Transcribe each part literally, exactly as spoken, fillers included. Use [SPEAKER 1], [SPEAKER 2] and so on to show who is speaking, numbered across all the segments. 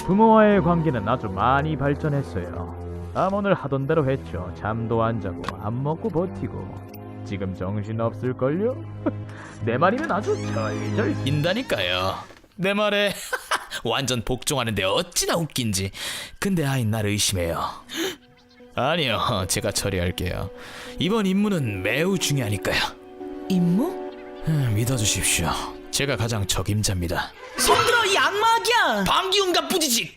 [SPEAKER 1] 부모와의 관계는 아주 많이 발전했어요. 암원을 하던 대로 했죠. 잠도 안 자고 안 먹고 버티고. 지금 정신 없을걸요? 내 말이면 아주 절절
[SPEAKER 2] 인다니까요. 내 말에 완전 복종하는데 어찌나 웃긴지. 근데 아이 날 의심해요. 아니요, 제가 처리할게요. 이번 임무는 매우 중요하니까요.
[SPEAKER 3] 임무?
[SPEAKER 2] 음, 믿어주십시오. 제가 가장 적임자입니다.
[SPEAKER 3] 손들어 이 악마기야.
[SPEAKER 2] 방기운과 뿌지직.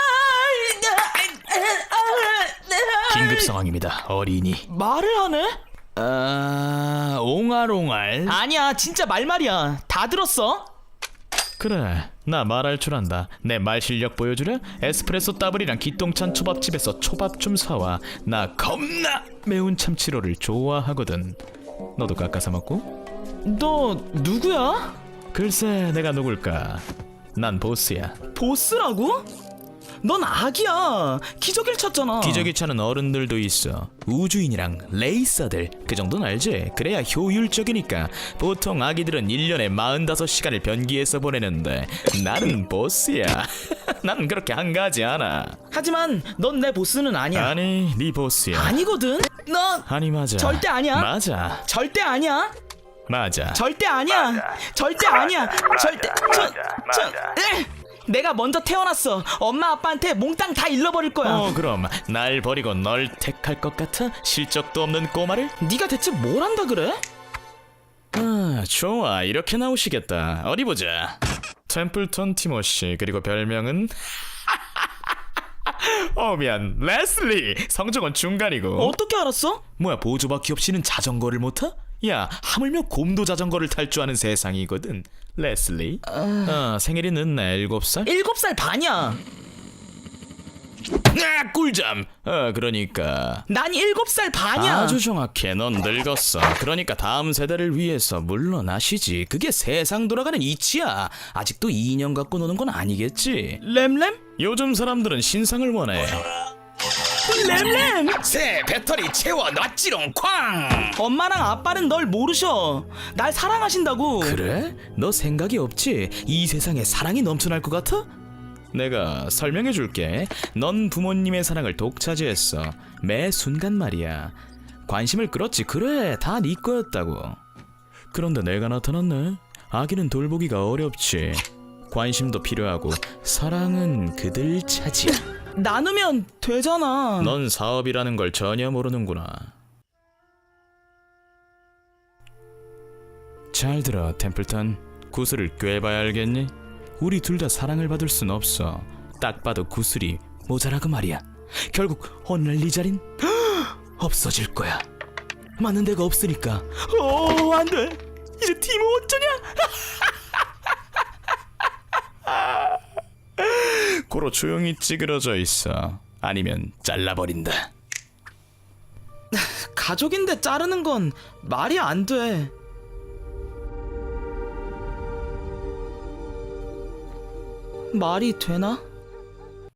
[SPEAKER 2] 긴급 상황입니다. 어린이.
[SPEAKER 3] 말을 하네?
[SPEAKER 2] 아, 옹알옹알.
[SPEAKER 3] 아니야, 진짜 말말이야. 다 들었어?
[SPEAKER 2] 그래, 나 말할 줄 안다. 내 말 실력 보여주려? 에스프레소 더블이랑 기똥찬 초밥집에서 초밥 좀 사와. 나 겁나 매운 참치로를 좋아하거든. 너도 깎아서 먹고?
[SPEAKER 3] 너 누구야?
[SPEAKER 2] 글쎄, 내가 누굴까? 난 보스야.
[SPEAKER 3] 보스라고? 넌 악이야. 기저귀를 찾잖아.
[SPEAKER 2] 기저귀 차는 어른들도 있어. 우주인이랑 레이서들, 그 정도는 알지? 그래야 효율적이니까. 보통 아기들은 일 년에 사십오 시간을 변기에서 보내는데 나는 보스야. 나는 그렇게 한가하지 않아.
[SPEAKER 3] 하지만 넌 내 보스는 아니야.
[SPEAKER 2] 아니, 네 보스야.
[SPEAKER 3] 아니거든. 너
[SPEAKER 2] 아니, 맞아.
[SPEAKER 3] 절대 아니야.
[SPEAKER 2] 맞아.
[SPEAKER 3] 절대 아니야.
[SPEAKER 2] 맞아.
[SPEAKER 3] 절대 아니야. 절대 아니야. 절대 저, 저, 에! 내가 먼저 태어났어. 엄마 아빠한테 몽땅 다 잃어버릴 거야.
[SPEAKER 2] 어, 그럼 날 버리고 널 택할 것 같아? 실적도 없는 꼬마를?
[SPEAKER 3] 네가 대체 뭘 한다 그래?
[SPEAKER 2] 아, 좋아. 이렇게 나오시겠다. 어디 보자. 템플턴 티모시, 그리고 별명은 어 미안, 레슬리. 성적은 중간이고.
[SPEAKER 3] 어떻게 알았어?
[SPEAKER 2] 뭐야, 보조바퀴 없이는 자전거를 못 타? 야, 하물며 곰도 자전거를 탈 줄 아는 세상이거든. 레슬리. 어, 생일이 늦네. 일곱 살?
[SPEAKER 3] 일곱 살 반이야.
[SPEAKER 2] 아, 꿀잠. 어, 그러니까
[SPEAKER 3] 난 일곱 살 반이야.
[SPEAKER 2] 아주 정확해. 넌 늙었어. 그러니까 다음 세대를 위해서 물러나시지. 그게 세상 돌아가는 이치야. 아직도 인형 갖고 노는 건 아니겠지?
[SPEAKER 3] 램램?
[SPEAKER 2] 요즘 사람들은 신상을 원해.
[SPEAKER 3] 램램!
[SPEAKER 2] 새 배터리 채워 놨지롱 쾅.
[SPEAKER 3] 엄마랑 아빠는 널 모르셔. 날 사랑하신다고.
[SPEAKER 2] 그래? 너 생각이 없지? 이 세상에 사랑이 넘쳐날 것 같아? 내가 설명해 줄게. 넌 부모님의 사랑을 독차지했어. 매 순간 말이야. 관심을 끌었지. 그래, 다 네 거였다고. 그런데 내가 나타났네. 아기는 돌보기가 어렵지. 관심도 필요하고 사랑은 그들 차지야.
[SPEAKER 3] 나누면 되잖아.
[SPEAKER 2] 넌 사업이라는 걸 전혀 모르는구나. 잘 들어, 템플턴. 구슬을 꿰봐야 알겠니? 우리 둘 다 사랑을 받을 순 없어. 딱 봐도 구슬이 모자라고 말이야. 결국 어느 날 네 자린 없어질 거야. 맞는 데가 없으니까. 어, 안 돼. 이제 팀은 어쩌냐? 고로 조용히 찌그러져 있어. 아니면 잘라버린다.
[SPEAKER 3] 가족인데 자르는 건 말이 안 돼. 말이 되나?